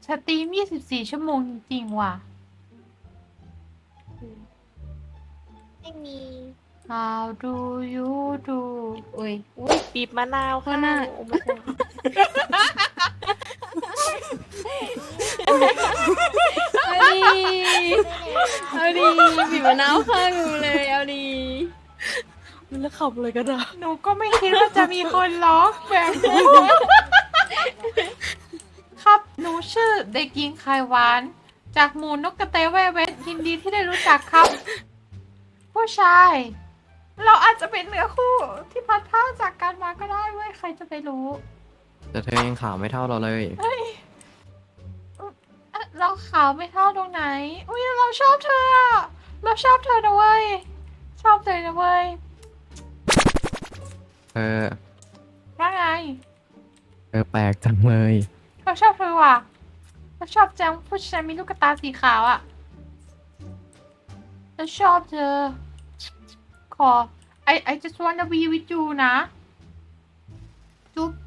สตรีม24 ชั่วโมงจริงๆว่ะไม่มี How do you do อุ้ยอุ้ยบีบมะนาวก็ค่ะน่าโอ้ไม่ใช่เอาดีบีบมะนาวข้างหนูเลยเอาดีแล้วขับเลยก็ได้หนูก็ไม่คิดว่าจะมีคนร้องแบบนี้ ครับหนูชื่อเด็กหญิงไข่หวาน จากหมู่นกกระเตแว่เวทยินดีที่ได้รู้จักครับ ผู้ชาย เราอาจจะเป็นเนื้อคู่ที่พัดพรากจากกันมาก็ได้เว้ยใครจะไปรู้แต่เธอยังขาวไม่เท่าเราเลยเอ้ยเราขาวไม่เท่าตรงไหน อุ้ยเราชอบเธออะเราชอบเธอนะเว้ย ชอบเธอนะเว้ยเธอว่าไงเธอแปลกจังเลยเราชอบเธอว่ะเราชอบจังผู้ชายมีลูกตาสีขาวอ่ะเราชอบเธอ ขอ I just wanna be with you นะ จุ๊บ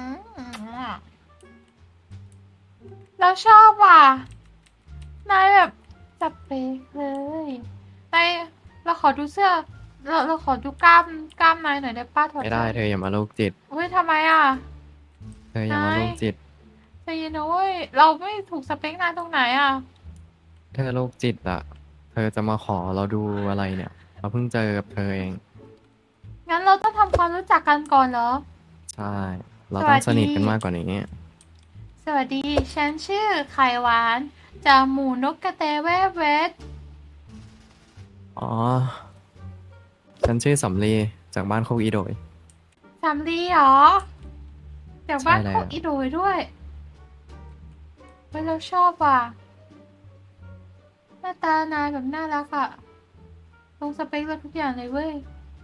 เราชอบว่ะ นายแบบจับเป๊กเลยนายเราขอดูเสื้อ เราขอดูกล้ามนายหน่อยได้ป้าถอดไม่ได้เธออย่ามาโรคจิตเฮ้ยทำไมอ่ะเธออย่ามาโรคจิตใจเย็นนะเว้ย เราไม่ถูกสเปคนายตรงไหนอ่ะเธอโรคจิตอ่ะ เธอจะมาขอเราดูอะไรเนี่ย เราเพิ่งเจอกับเธอเองงั้นเราต้องทำความรู้จักกันก่อนเหรอใช่ เราต้องสวัสดีสนิทกันมากกว่านี้สวัสดี ฉันชื่อไข่หวาน จากหมู่นกกระเตแว่เวทอ๋อ ฉันชื่อสำลีจากบ้านโคกอีโดยสำลีเหรอจากบ้านใช่แล้วโคกอีโดยด้วยเฮ้ยเราชอบว่ะ หน้าตานายแบบน่ารักอะตรงสเปคเราทุกอย่างเลยเว้ย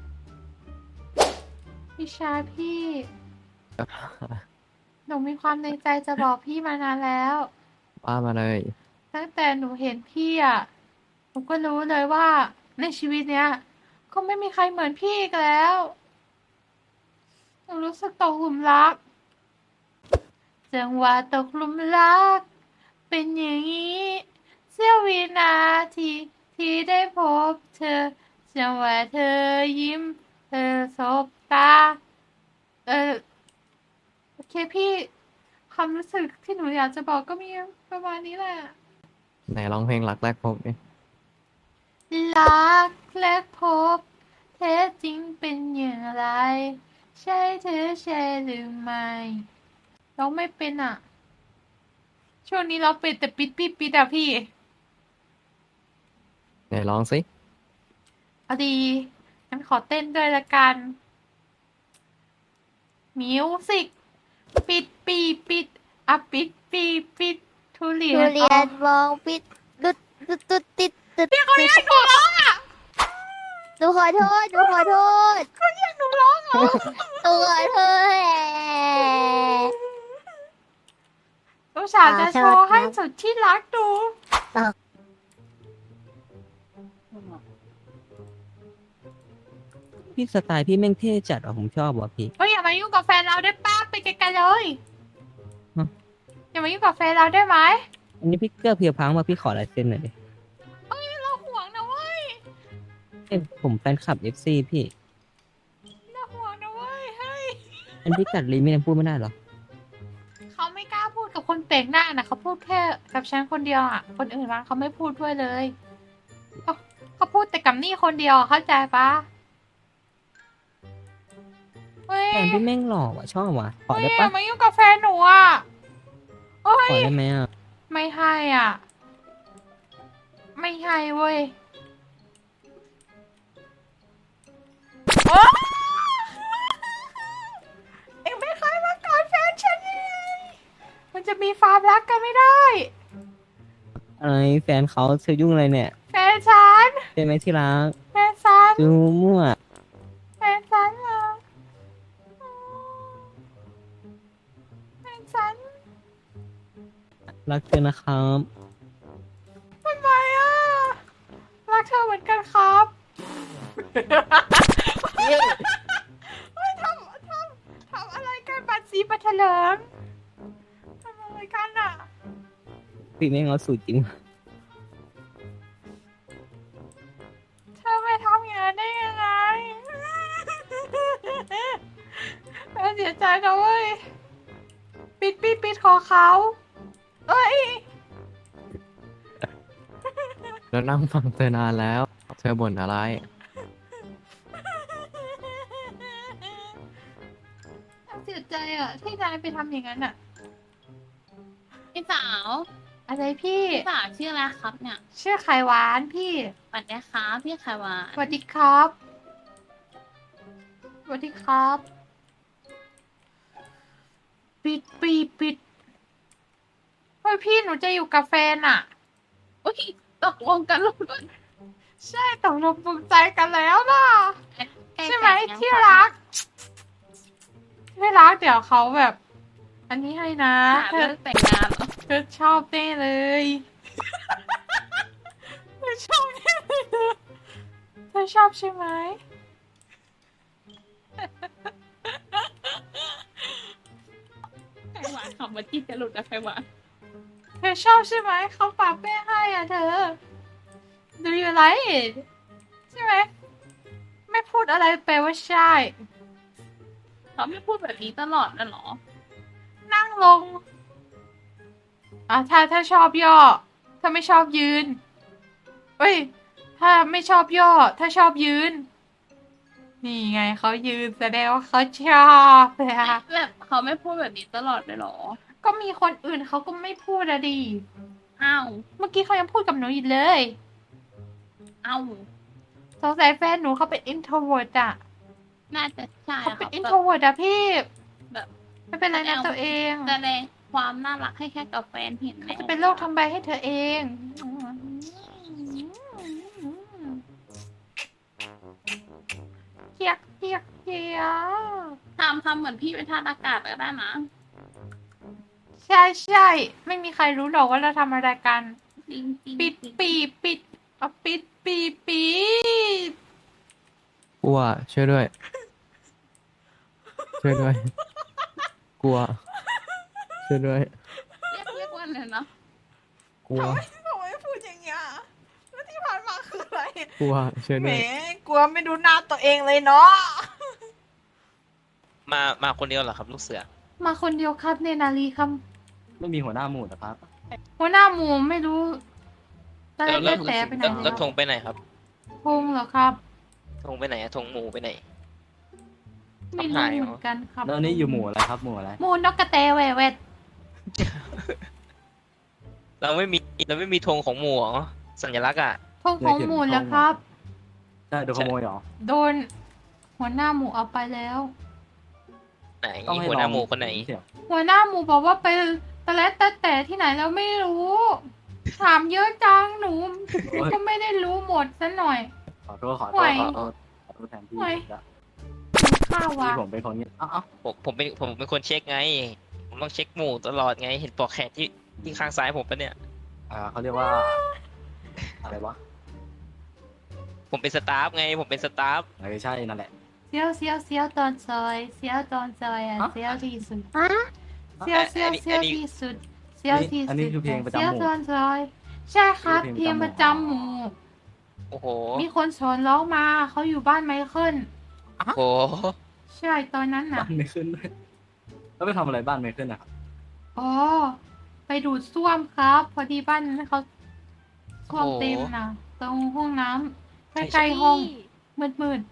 พี่ชายพี่ หนูมีความในใจจะบอกพี่มานานแล้วว่ามาเลยตั้งแต่หนูเห็นพี่อะหนูก็รู้เลยว่าในชีวิตเนี้ยคงไม่มีใครเหมือนพี่อีกแล้ว หนูรู้สึกตกหลุมรัก จังหวะตกหลุมรัก เป็นอย่างนี้ เสี้ยววินาทีที่ได้พบเธอ จังหวะเธอยิ้ม เธอสบตา โอเคพี่ความรู้สึกที่หนูอยากจะบอกก็มีประมาณนี้แหละไหนร้องเพลงรักแรกพบดิรักแรกพบแท้จริงเป็นอย่างไร ใช่เธอใช่หรือไม่ร้องไม่เป็นอ่ะ ช่วงนี้เราเป็นแต่ปิดปิดปิดอ่ะพี่ไหนร้องสิเอาดีงั้นขอเต้นด้วยละกัน มิวสิกปิดปีปิดอ่ะปิดปีปิดทุเรียทุนเรียนมองปิดดุดดุดดุดติดดุดพี่เขาเรียกหนูร้องอ่ะหนูขอโทษหนูขอโทษเขาเรียกหนูร้องเหรอหนูขอโทษแหละอุตส่าห์จะโชว์ให้สุดที่รักดูพี่สไตล์พี่แม่งเท่จัดอ่ะผมชอบว่ะพี่เฮ้ยอย่ามายุ่งกับแฟนเราได้ป้าไปไกลๆเลยฮะอย่ามายุ่งกับแฟนเราได้ไหมอันนี้พี่เกื้อเพียวพังมาพี่ขอลายเซ็นหน่อยดิเฮ้ยเราห่วงนะเว้ยเอ้ยผมแฟนคลับ FC พี่เราห่วงนะเว้ยเฮ้ยอันพี่กัดลิ้นไม่ยังพูดไม่ได้เหรอเขาไม่กล้าพูดกับคนแปลกหน้านะเขาพูดแค่กับฉันคนเดียวอ่ะคนอื่นมาเขาไม่พูดด้วยเลยเขาพูดแต่กับนี่คนเดียวอะเข้าใจปะเฮ้ยแฟนพี่แม่งหล่อว่ะชอบว่ะขอเฮ้ยได้อย่าปะมายุ่งกับแฟนหนูอ่ะเฮ้ขอย ได้ไหมอ่ะไม่ให้อ่ะ ไม่ให้เว้ยโอ๊ยเอ็งไม่เคยมากอดแฟนฉันเลยมันจะมีความรักกันไม่ได้อะไรแฟนเขาเธอยุ่งอะไรเนี่ยแฟนฉันเป็นไหมที่รักแฟนฉันดูมั่วแฟนฉันเหรอแฟนฉันรักเธอนะครับทำไมอ่ะ รักเธอเหมือนกันครับเฮ้ยทำอะไรกันบัตรสีบัตรเถลิงทำอะไรกันอ่ะพี่ไม่งเอาสูตรจริงเธอไปทำอย่างนั้นได้ยังไงเธอเสียใจนะเว้ย ปิดขอเขาเอ้ยแล้วนั่งฟังเธอนานแล้ว เธอบ่นอะไรเสียใจอ่ะ ที่นายไปทำอย่างนั้นอ่ะพี่สาวอะไรพี่พี่สาวชื่ออะไรครับเนี่ยชื่อไข่หวานพี่สวัสดีครับพี่ไขวานสวัสดีครับสวัสดีครับ ปิดเฮ้ยพี่หนูจะอยู่กับแฟนอ่ะโอ้ยตกลงกันแล้วด้วยใช่ตกลงปลงใจกันแล้วนะใช่ไหมที่รักเดี๋ยวเขาแบบ อันนี้ให้นะหาเธเรื่อองแต่งงานเหรอเธอชอบแน่เลยเธอชอบแน่เลยเธอชอบใช่ไหมไขวานขับมาจี้จะหลุดอะไขวานเธอชอบใช่ไหมเขาปากแป้ให้อ่ะเธอ Do you like it ใช่ไหมไม่พูดอะไรแปลว่าใช่เขาไม่พูดแบบนี้ตลอดนะเหรอนั่งลงถ้าชอบย่อ ถ้าไม่ชอบยืนเอ้ย ถ้าไม่ชอบย่อ ถ้าชอบยืน นี่ไงเขายืนแสดงว่าเขาชอบเลยค่ะแบบเขาไม่พูดแบบนี้ตลอดเลยเหรอก็มีคนอื่นเขาก็ไม่พูดอะดิอ้าวเมื่อกี้เขายังพูดกับหนูอยู่เลยอ้าวสงสัยแฟนหนูเขาเป็น introvert อะน่าจะใช่เขาค่ะเป็นแบบ introvert อะพี่แบบไม่เป็นไรนะตัวเองแสดงความน่ารักให้แค่กับแฟนเห็นไหมจะเป็นโรคทำใบให้เธอเองเกียกทำเหมือนพี่เป็นทาสอากาศก็ได้นะใช่ ไม่มีใครรู้หรอกว่าเราทำอะไรกันจริงจริงปิดกลัว ช่วยด้วย ช่วยด้วย กลัว ช่วยด้วยเรียกว่าอะไรนะกลัวทำไมพูดอย่างเงี้ยแล้วที่ผ่านมาคืออะไรกลัว ช่วยแหมด้วยกลัวไม่ดูหน้าตัวเองเลยเนาะมาคนเดียวเหรอครับ ลูกเสือมาคนเดียวครับเนนารีครับไม่มีหัวหน้าหมู่เหรอครับหัวหน้าหมูไม่รู้ตอนแรกแล้วแต่ไปไหนแล้วแล้วธงไปไหนครับพงเหรอครับธงไปไหนอะธงหมูไปไหนไม่หารู้ยเหรอเหมือนกันครับแล้วอันนี้อยู่หมู่อะไรครับ หมู่อะไรหมูนกกระเตแหววดเราไม่มีธงของหมูเหรอสัญลักษณ์อะพงของหมูแล้วครับใช่โดนขโมยเหรอโดนหัวหน้าหมูเอาไปแล้วไหนต้องให้หัวหน้าหมูคนไหนเสี่ยวหัวหน้าหมูบอกว่าไปตะเล็ดตะแต่ที่ไหนแล้วไม่รู้ ถามเยอะจังหนูก็ไม่ได้รู้หมดซะหน่อยขอโทษห่วยขอโทษแทนพี่ห่วยแล้วข้าวที่วะผมเป็นคนนี้เอ้าผมเป็นคนเช็คไง ผมต้องเช็คหมูตลอดไง เห็นปลอกแขนที่ข้างซ้ายผมปะเนี่ยเขาเรียกว่า อะไรวะผมเป็นสตาฟไง ผมเป็นสตาฟใช่นั่นแหละเซียวตอนซอยเซียวตอนซอยอ่ะฮะเซียวที่สุดฮะเซียวที่สุดเซียวที่อันสุนี้ดคือเพลงประจำหมู่เซียวตอนซอย ใช่ครับเพเพลลงงปประ ระจำจำหหมู่มู่โอ้โหมีคนสอนร้องมาเขาอยู่บ้านไมเคิลโอ้โหใช่ตอนนั้นน่ะบ้านไม่ขึ้นด้วยแล้วไปทำอะไรบ้านไม่ขึ้นนะครับอ๋อ ไปดูดซ่วมครับ พอดีบ้านนั้นเขาซ่วมโอ้โหเต็มนะตรงห้องน้ำใกล้ๆห้องมืด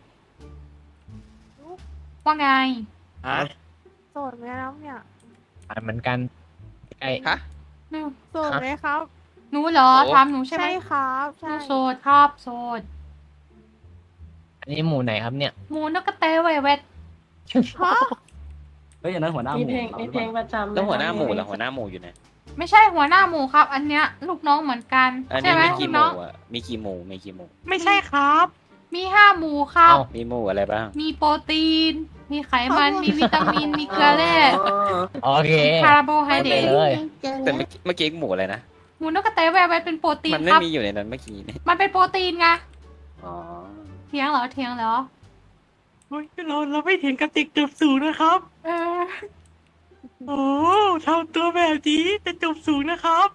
ๆว่าไงโสดไหมครับเนี่ยเหมือนกันใกล้ฮะหนูโสดไหมครับหนูเหรอโอ้ถามหนูใช่ไหมใช่ครับหนูใช่โสดครับโสดอันนี้หมู่ไหนครับเนี่ยหมูนกกระเตยแหววดฮะเฮ้ยอันนั้นหัวหน้าหมีมู่เพลงเรามีหรือเพเปลล่างประจำแล้วหัวหน้าหมู่ไหมล่ะหัวหน้าหมู่อยู่ไหนไม่ใช่หัวหน้าหมูครับ อันเนี้ย ลูกน้องเหมือนกันอันใช่นี้ไหมมีลูกี่กหน้อมู่งอ่ะมีกี่หมู่มีกี่หมู่ไม่ใช่ครับ มี5 หมู่ครับเอ้ามีหมู่อะไรบ้างมีโปรตีน มีไขมัน มีวิตามิน มีเกลือแร่โอเคคาร์โบไฮเดรไปตเลยแต่เมื่อกี้หมู่อะไรนะหมูนกกระเตยแหววดเป็นโปรตีนมันคไม่รับมีอยู่ในนั้นเมื่อกี้นี่มันเป็นโปรตีนไงอ๋อเถียงเหรอ เถียงเหรอเฮ้ยเราไม่เถียงกับเด็กจบสูงนะครับเออโอ้ทำตัวแบบนี้จะจบสูงนะครับ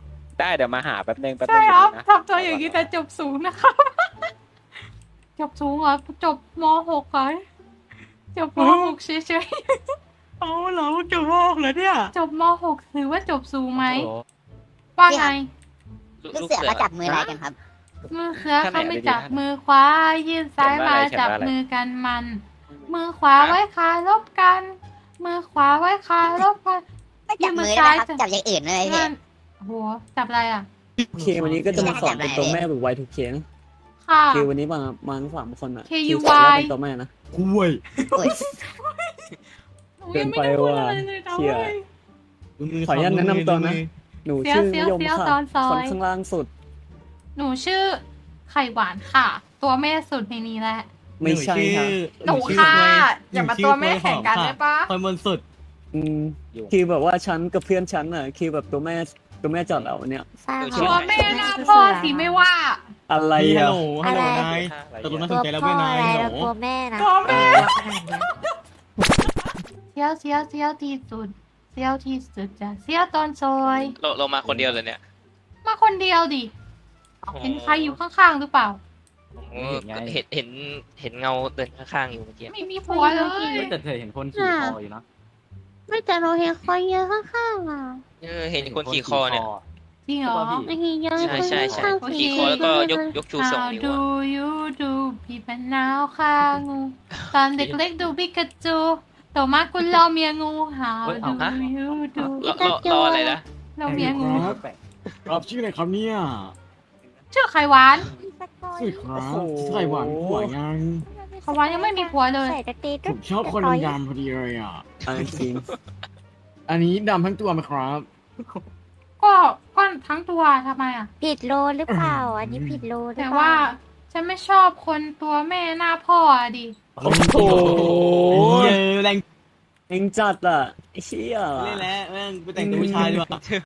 ได้เดี๋ยวมาหาแป๊บนึงแป๊บนึใช่งครับนะทำตัวอย่างนี้แต่จบสูงนะครับ จบสูงเหรอจบม .6 เหรอจบม .6 เฉยเอาเหรอจะบอกเหรอเนี่ยๆจบม .6 ถือว่าจบสูงไหมโอ้โหว่าไงลูลูกกเสือเสือเขาจับมืออะไรกันครับมือเสือเขาไม่จับมือขวายื่นซ้ายมาจับมือกันมัน มือขวาไว้คารบกัน มือขวาไว้คารบกันไม่จับมือได้ไหมครับ จับอย่างอื่นเลยพี่นั่นโหจับอะไรอ่ะโอเควันนี้ก็จะมาสอนเป็นตัวแม่แบบไวทุกเคสค่ะคือวันนี้มาสามคนอ่ะ KUY คือสอนเป็นตัวแม่นะคุยโอ้ยเกินไปว่ะเชี่ย ขออนุญาตแนะนำตัวนะ หนูชื่อยมค่ะคนข้างล่างสุดหนูชื่อไข่หวานค่ะ ตัวแม่สุดในนี้แหละไม่ใช่ค่ะหนูค่ะ อย่ามาตัวแม่แข่งกันได้ปะคนบนสุดอืมคือแบบว่าฉันกับเพื่อนฉันอ่ะคือแบบตัวแม่จอดเราเนี่ยทราบตัวแม่หน้าพ่อสิไม่ว่าอะไรฮัลอ่ะโหลฮัลโหลนายอะไรตกลงเนี่ยน่าสนใจแล้วเว้ยนายฮัลโหลตัวแม่นะตัวแม่ขนาดเนี้ยเสียวที่สุดเสียวที่สุดจ้ะเสียวตอนซอยเรามาคนเดียวเลยเนี่ยมาคนเดียวดิ เห็นใครอยู่ข้างๆหรือเปล่าโอ้เห็นเงาเดินข้างๆอยู่เมื่อกี้ไม่มีผัวเลยแต่เธอเห็นคนขี่คออยู่นะไม่แต่เราเห็นคนเยอะข้างๆอ่ะเห็นคนขี่คอเนี่ยจริงเหรอไม่เห็นเยอะใช่ใช่ใช่โอเคขี่คอแล้วก็ยกชูสอง How นิ้ว do อะ you do พี่เป็นนาวค่ะงูตอนเด็กเล็กดูปิกาจูโตมาคุณรอเมียงู How do you do รออะไรนะเราเมียงูรับชื่ออะไรครับเนี่ยชื่อไข่หวานสุดครับไข่หวานผัวยังไข่หวานยังไม่มีผัวเลยใส่กระตีดผมชอบคนดำๆพอดีเลยอ่ะอันจริงอันนี้ดำทั้งตัวไหมครับก็ทั้งตัวทำไมอ่ะผิดโลหรือเปล่า อันนี้ผิดโลหรือแต่เปล่าว่าฉันไม่ชอบคนตัวแม่หน้าพ่ออะดิโอ้โหเยอะแรงเองจัดอ่ะไอ้เชี่ยเล่นแล้วแม่งไปแต่งตัวผู้ชายดีกว่า